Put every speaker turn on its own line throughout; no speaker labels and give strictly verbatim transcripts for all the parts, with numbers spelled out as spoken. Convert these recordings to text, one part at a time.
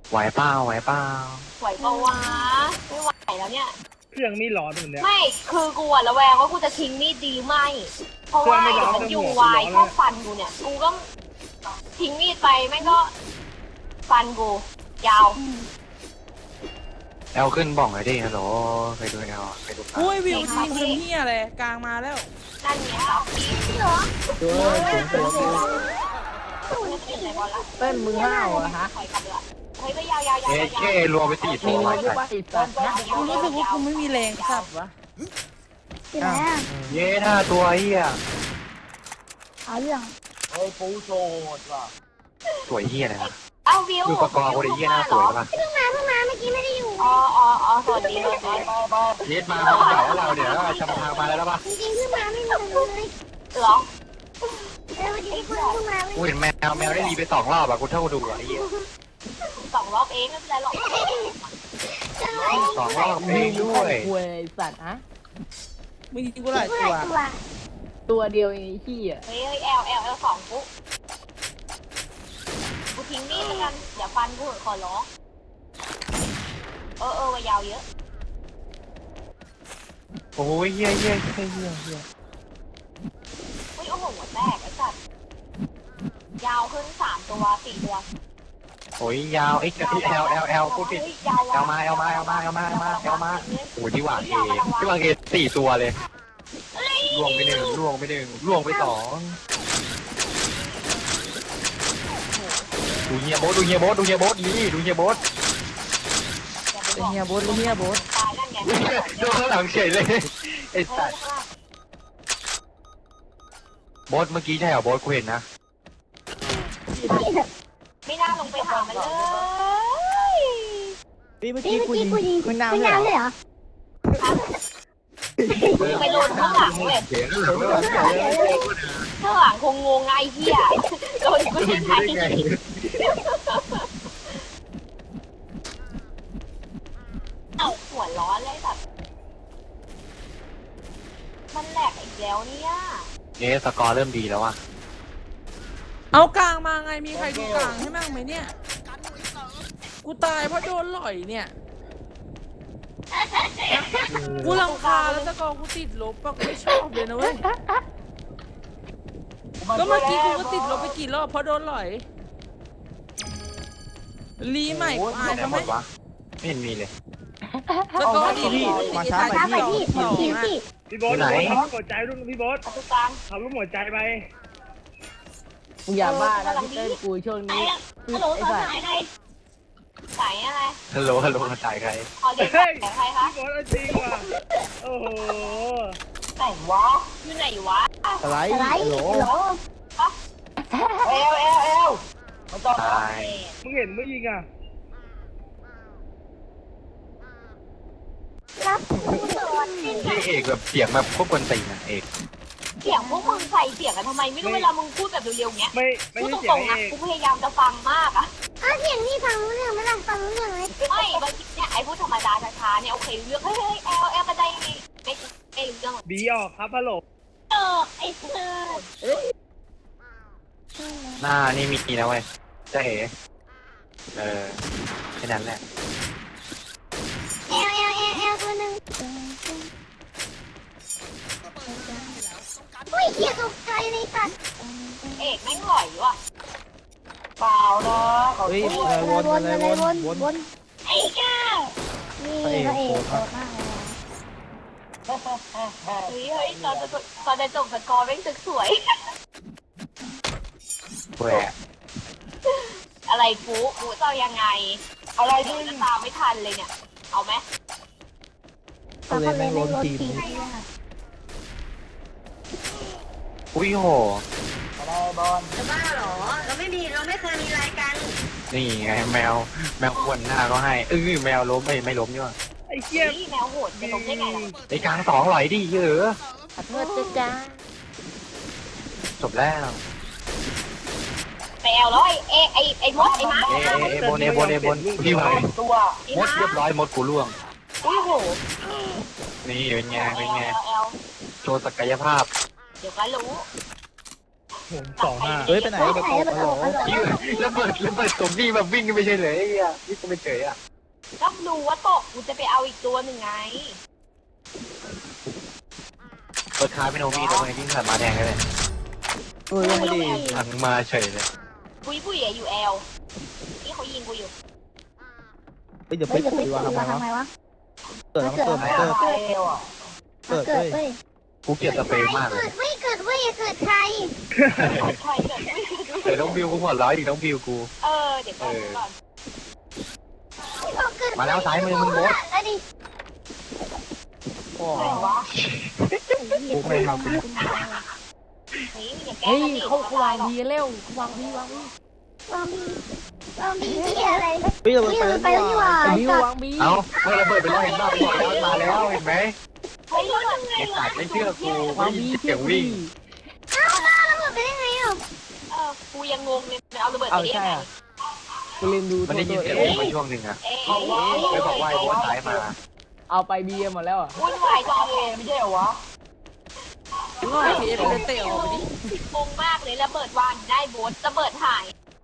ไหวเปล่าไหวเปล่า
ไหวปะวะไม่ไหวแล้วเนี่ย
เครื่องมีหลอนเหมือนเนี้ย
ไม่คือกูอะระแวงว่ากูจะทิ้งมีดดีหรือไม่เพราะว่ามันอยู่วายชอบฟันกูเนี่ยกูก็ทิ้งมีดไปแม่งก็ฟันกูยาว
แอลขึ้นบ้องเลยดิฮัลโหลไปดูแอลไปดู
อุ้ยวิวทีมทำเฮียอะไรกลางมาแล้ว
นั่นไงครับเหรอ
ตัวตัวตัว
เต้นมือห้าวอะฮะเฮ้ยไปยาวยาวยาว
เอ๊ะเอ๊ะรวมไปสี่ตัว
มี
ไว้
รู้ว่าติดสัตว์นะ
กูรู้สึกว่ากูไม่มีแรงสับวะ
ที่ไหนอ่ะ
เย้หน้าตัวเฮีย
เอาเรื่อง
เฮ้ยปูโซดว่ะ
สวยเฮียเลยนะ
เอาวิว
ดูประกอบคนเฮียหน้าสวยป่ะ
เพิ่งมาเพิ่งมาเมื่อกี้ไม่ได้อยู่
อ๋ออ๋ออ๋อสวัสดีเลย
เย็ดมาเขาเก่าเราเดี๋ยวชำทางมาแล้วป่ะ
จริงๆเพิ่งมาไม่มีเลย
เหรอ
เออวันนี้เพิ่งเพิ่งมา
กูเห็นแมวแมวได้รีไปสองรอบอะกูเท่าดูอะไอ้เหี้ย
สองรอบเองไม่เป็นไรหรอก
สองรอบเองด้วย
คุยสัตว์ฮะ
มึงยิงกูหลาย
เมื่อ
ตัว
ไหร่ตัว
ตัวเดียวไอ้ขี้อ่ะ
เฮ้ยเฮ้ยแอลแอลแอลสองปุ๊กูทิ้งมีดแล้วกันอย่าฟันกูขอร้องเออเออวยาวเยอะ
โอ้ยเฮียเฮียเฮียเฮียเฮีย
อุ้ยโอ้โหหัวแตกไอ้สัตว์ยาวขึ้นสามตัวสี่ตัว
โอ้ยยาวไอ้กระที่แอลแอลแอลพูดผิด
ยาว
แอลมาแอลมาแอลมาแอลมาแอลมาแอลมาโอ้ยที่วางเอที่วางเอสี่ตัวเลยล่วงไปหนึ่งล่วงไปหนึ่งล่วงไปสองดูเฮียโบ๊ทดูเฮียโบ๊ทดูเฮียโบ๊ทนี่ดูเฮียโบ๊ท
เป็นเฮียโบ๊ทเป็นเฮียโบ๊ท
ตายนั่นไง
โดนข้างหลังเฉยเลยไอ้สัตว์โบ๊ทเมื่อกี้ใช่เหรอโบ๊ทกูเห็นนะ
ไม่น่าลงไปถามมันเลย
พี่เมื่อ
นี่
กี้
เมื่อ
กู
กี้
ยิง
กูยิง
มึงน้ำ
ไม่
เลย
น้ำเลย
เหรอ
เหรอ
ไปโดนข้างหลังเว้ย
เสียงข้างหลังไม่ไหวเสียงเลย
ข้างหลังคงงงไงเหี้ยโดนกู
ดู
ยัง
ได้
ไง
ไง
เอ้าหัวร้อนเลยแบบมันแหลกอีกแล้วเนี่ย
เอ๊ะสกอร์เริ่มดีแล้วว่ะ
เอากลางมาไงมีใครดูกลางให้มั่งไหมเนี่ยกูตายเพราะโดนหล่อยเนี่ยกูรำคาญแล้วตะกอกูติดลบปะกูไม่ชอบเลยนะเว้ยก็เมื่อกี้กูก็ติดลบไปกี่รอบเพราะโดนหล่อยรีใหม่กูอาย
ไหน
เขา
ห
ไห
ม
ม
ดวะไม่เห็นมีเลย
ตะกอดีพี่
มาช้า
ช้าไปพี่พี่พี่
พี่โบ๊ททำรูปหัวใจรุ่นพี่โบ๊ท
ประตูกลาง
ทำรูปหัวใจไป
มึงอย่าบ้านะพี่เต้นกูช่วงนี้
ฮัลโหล
ไอ้
สา
สัตว์
ยใครสายอะไร
ฮัลโหลฮัลโหลมาจ่ายใคร
ขอเรียก
เฮ้ย
สายใครคะ
พี่โบ๊ทเอาจริงว่ะโอ้โห
ไหนวะอยู่ไหนวะ
อะไร
อะไร
โหล
โหล
เอลเอลเอล
ตาย
มึงเห็นเมื่อยิงอ่ะ
รับโดนสิ้น
ที่เอกแบบเสียงแบบโคตรกวนตีนอ่ะเอก
เสียงพวกมึงใส่เสียงกันทำไมไม่รู้เวลามึงพูดแบบเร็วๆเงี้ย
ไม่ไม่
พูด
ใช่
ต
เสีย
รง งๆ
เอ
นะ
ก
กูพยายามจะฟังมากอะ
เอาเสียงนี่ฟังรู้เรื่องไหมล่ะฟังรู้เรื่องไหม
ไม่บางทีเนี่ยไอ้พูดธรรมดาช้าๆเนี่ยโอเคเรื่องเฮ้ยเฮ้ยเอลเอลกระไดไม่ไม่ไม่รู้เรื่องหรอก
บีออกครับฮัลโหล
เออไอ้เธอ
หน้านี่มีนะเว้ยเจ๊เอ๋เออแค่นั้นแหละ
เอลเอลเอลเอลตัวหนึ่งอุ้ยเหี้ยตกใจเลยสัตว์
เอกแม่งหล่อยว่ะ
เปล่านะเฮ้ยอะไรวนอะไรวนวน
วน
ไอ้ก้าว
นี่พระเอกโหดมากเลย
เฮ้ยเฮ้ยตอนจะตอนจะจบสกอร์แม่งตึกสวย
แหวะ
อะไรกูกูจะเอายังไง อะไรที่จะตามไม่ทันเลยเนี่ย เอาไหม
เขาเลยไม่ลดทีม
อุ้ยโห
จะบ้าเหรอ เราไม่มีเราไม่เคยมีรายการ
นี่ไงแมวแมวควนหน้าก็ให้เออแมวล้มไม่ไม่ล้มนี่ว่ะ
ไอ้เหี้ย
นี่แมวโหดจะลงได้ไงล่ะ
ไอ้กลางสองหลอยดิเยอะ
ขอโทษจ้าจ้า
จบแล้ว
แมวแล้วไอ้เอไอ้ไอ้มดไอ้ม้า
เอเอเอบนเอบนเอบนพี่ไหว
ตัวไอ้
มด
ม้า
เรียบร้อยมดกูล่วง
อุ้ยโห
นี่เป็นไงเป็นไง
แอล
โชว์ศักยภาพ
เดี๋ยวก็รู้
ผมสองห้า
เฮ้ยไปไหนไปตกฮัลโหล
ชื่อระเบิดระเบิดตรงนี้แบบวิ่งกันไม่ใช่เลยไอ้เหี้ยนี่ก็ไม่เฉยอ่ะ
ก็ดูว่าตกกูจะไปเอาอีกตัวหนึ่งไง
เปิดคาเป็นโอมีทำไมวิ่งผ่านมาแดงเลย
เฮ้ยลงมาดิ
หันมาเฉยเลย
ปุ้ยปุ้ยอะอยู่แอลที่เขายิงกูอยู่
เฮ้ยเดี๋ยว
เฮ้
ไป
ยเดี๋ยว
คุ
ไป
ย
คุ
ว่าย ทำไม
ทำไม
วะ
วะ
เกิดเกิดเกิด
เกิด
เกิด
เกิด
เฮ้ย
เว้ย
กูเกลียดสเปรย์มากเลย
เกิดเว้ยเกิดเว้ยเกิดใคร
ใครเกิดปุ้ย
เดี๋ยวต้องบิวกูหัวร้อยอีกต้องบิวกู
เออเดี๋ยวก่อนเดี๋ยวก่อน
มาแล้วซ้ายมือมึงโบ๊ท
แล้วดิ
โอ้
ไหนวะ
กูไม่ทำกู
เฮ้ยมึงอย่าแกล้
เฮ้
ง
ย
กันดิ
เขาเขาวางดีเร็ววางดีวางดี
วางบีวางบีที่อะไร
เฮ้ยเรา
เฮ้ย
ไป
มันไปแล้วนี่หว่า
ไอ้บิววางบี
เอ้าเมื่อระเบิดไปแล้วเห็นบ้าบอกแล้วมาแล้วเห็นไหม
เฮ้ยแล้วมันไง
ไอ้
ล่ะ
สัตว์ไม่เชื่อกู
วา
ไม่
ง
ยิ
บี
นเสียงวิ่ง
อ้าวแล้วระเบิดไปได้ไงอ่ะ
เออกูยังงงเลยมันเอาระเบิด
เอา
ไปได้
ใช่
ยังไง
อ่ะกูเรียนดู
มันได้ยินเสียง
เอ๊
วิ่งมาช่วงหนึ่งอะ
เอ๊ะ
ไปบอกว่าไอ้โบ๊ทซ้ายมา
เอาไปบีหมดแล้วอ่ะ
วุ่นวายจังเลยไม่ใช่เหรอวะ
ง่ายพีเอฟเป็นเตะออกไปดิ
งงมากเลยระเบิดวางได้โบสระเบิดหาย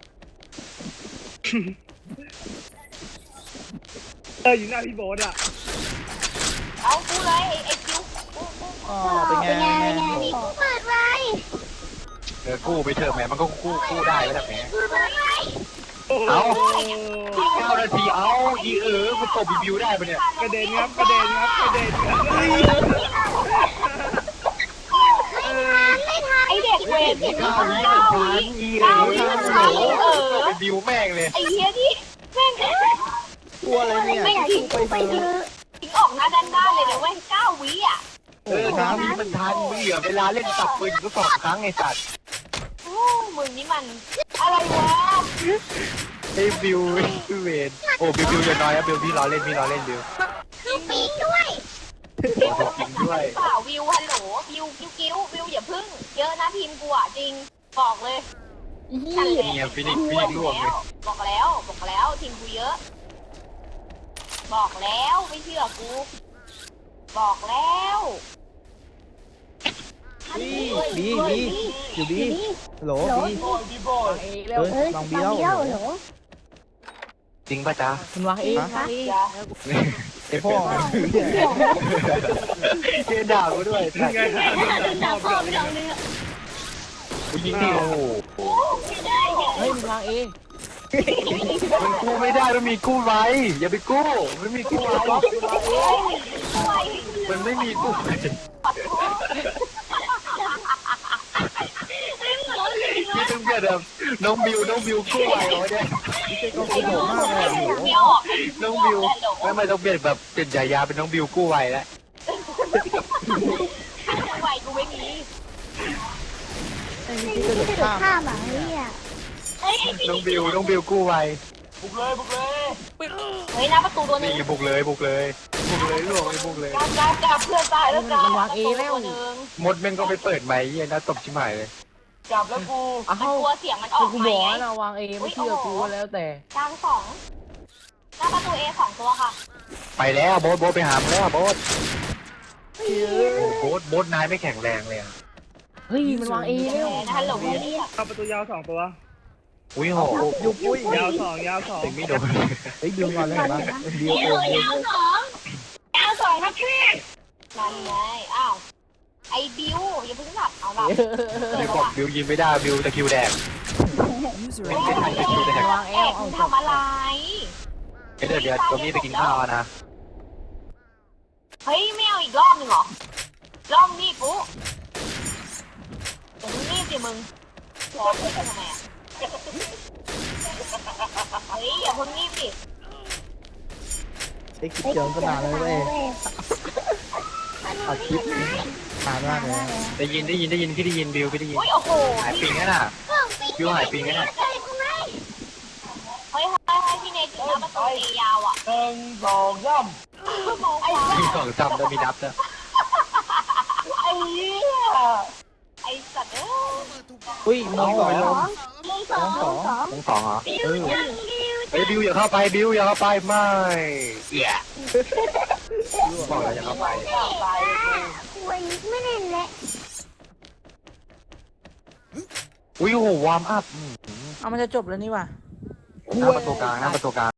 เอออยู่หน้าพี่โบ๊ทอ่ะ
เอากูเลยไอ้ไอ้คิวกูกู
อ๋อเป็นไง
เป็นไง
เป็น
เป็น
ไง
ไงนี่กูเปิดไว้
เออกู้ไปเถอะแหมมันก็กู้กู้ได้แล้วแหม
กูเปิดไว้
โอ้โห
เอา อีกเก้านาทีเอาอีเออมันตบบิวได้ปะเนี่ย
กระเด็นครับกระเด็นครับกระเด็นครับเฮ้ยเออ
ไม่ทัน
ไอ้เด็กเวร
อี
เห็น
เก้า
ไหม
วิ
เก้า
มัน
วิ
ทันอีเออโอ้โหไปบิวแม่งเลย
ไอ้เหี้ยที่แม่ง
กลัวอะไรเนี่ย
ไม่ทิ้ง
ไป
ไป
เถ
เถ
อะ
อะ
ทิ้งออกหน้าด้านด้านเลยนะเว้ยเก้าวิอ่ะ
เออเก้าวิมันทันมึงเหลือเวลาเล่นตับปืนก็สองครั้งไอ้สัตว์
โอ้มึงนี่มันอะไรวะ
ไอ้บิวพี่เวนโอ้บิวบิวอย่าน้อยนะบิวพี่ล้อเล่นพี่ล้อเล่นบิว
คือปีกด้วย
โอ้โหจริงด้วย
เปล่าวิวฮัลโหลวิวกิ้วกิ้ววิวอย่าพึ่งเยอะนะทีมกูอ่ะจริงบอกเลย นั่นแหละ
นี่ไงฟินิกฟินิกร่วงเลย
บอกแล้วบอกแล้วทีมกูเยอะ บอกแล้วไม่เชื่อกู บอกแล้ว
บีบีบีอยู่บีฮัลโหลบี
วางเอแล้ว
เฮ้ย
เอ้ย
ลอง
บี
บี
แล้
แล้ว ว
เหรอ
จริงป่ะจ๊ะ
มันวางเอวางเอ
ไอพ่อ
เกด่ากูด้วย
ยังไงฮะ
จับพ่อไม่ลองเลย
กูยิงดิโอ้โห
เฮ้ยมันวางเอ
มันกู้ไม่ได้มันมีกู้ไว้อย่าไปกู้ไม่มีกู้ไว้มันไม่มีกู้ไว้พี่ต้องเปลี่ยนแบบน้องบิวน้องบิวกู้ไว้เอาไว้เนี่ย
ก็กระโดดมากเลยอะโห
ไม่ออก
น้องบิวไม่ไม่ต้องเปลี่ยนแบบเปลี่ยนฉายาเป็นน้องบิวกู้ไว้แล้ว
ไหวกูไม่มี
ที่กระโดดข้าม
ข้ามอ่ะเฮ้ย
น้องบิวน้องบิวกู้ไว้
เฮ้ยหน้าประตูตัวนึ
นี่
ง
บุกเลยบุกเลยบุกเลยล่วงเลยบุกเลย
จับจับจับเพื่อนตายแล้วจับตัวนึง
มดแม่งก็ไปเปิดไมค์เยี่ยนะตบชิบหายเลย
จับแล้วกู
อ้า
มัน
ว
กลัวเสียงมันออก
กู
ไหม
บอกนะวางเอไม่เชื่อกูก็แล้วแต่
กลางสองหน้าประตูเอสองตัวค่ะ
ไปแล้วโบ๊ทโบ๊ทไปหามึงแล้วโบ๊ทโอ้โบ๊ทโบ๊ทนายไม่แข็งแรงเลยอะ
เฮ้ยมันวางเอแล้ว
ฮัลโหลนี่
เข้าประตูยาวสองตัว
อุ้ยโห
ยุบปุ้ย
ยาวสองยาวสอง
ติงไม่โดน
เฮ้ยดึงก่อนเลยเห็นปะเดียวเอง
ดาวสองครับพี่นั่นไงอ้าวไอ้บิวอย่าเพิ่งหลับเอาหลับ
บิวบอกบิวยิงไม่ได้บิวตะคิวแดงไม่ได้ถ่ายตะคิวแดง
วางเอ
แอ
ว
บ
เอา
ทำอะไร
เดี๋ยวเดี๋ยวตัวนี้ไปกินข้าวนะ
เฮ้ยไม่เอาอีกรอบหนึ่งเหรอรอบนี้กูแต่มึงนี่สิมึงรอกูทำไมอ่ะเฮ้ยอย่าเพิ่งนี่สิ
ไอ้คลิปเจอก็นานเลยเว้ยเอาคลิปนานมากเลย
ได้ยินได้ยินได้ยินพี่ได้ยินบิวพี่ได้ยิน
อุ้ยโอ้โห
หายปิงแล้วน่ะบิวหายปิงแล้วน่ะ
เฮ้ยเฮ้ยเฮ้ยพี่เนยถึงหน้าประตูตียาวอ่ะ
หนึ่งสองสาม
ไอ้
มีสองจำแล้วมีนับนะ
ไอ้เหี้ยไอ้สัตว์เอ้ย
อุ้ยมองสอง
ลงสองลงสอง
มงสองเหรอ
เออ
เฮ้ยบิวอย่าเข้าไปบิวอย่าเข้าไปไม่เหี้ยบอกแล้วอย่าเข้าไป
คุยไม่เล่นแล้ว
อุ้ยโอ้โหวอร์มอัพ
เอามันจะจบแล้วนี่ว่ะ
หน้าประตูกลางหน้าประตูกลาง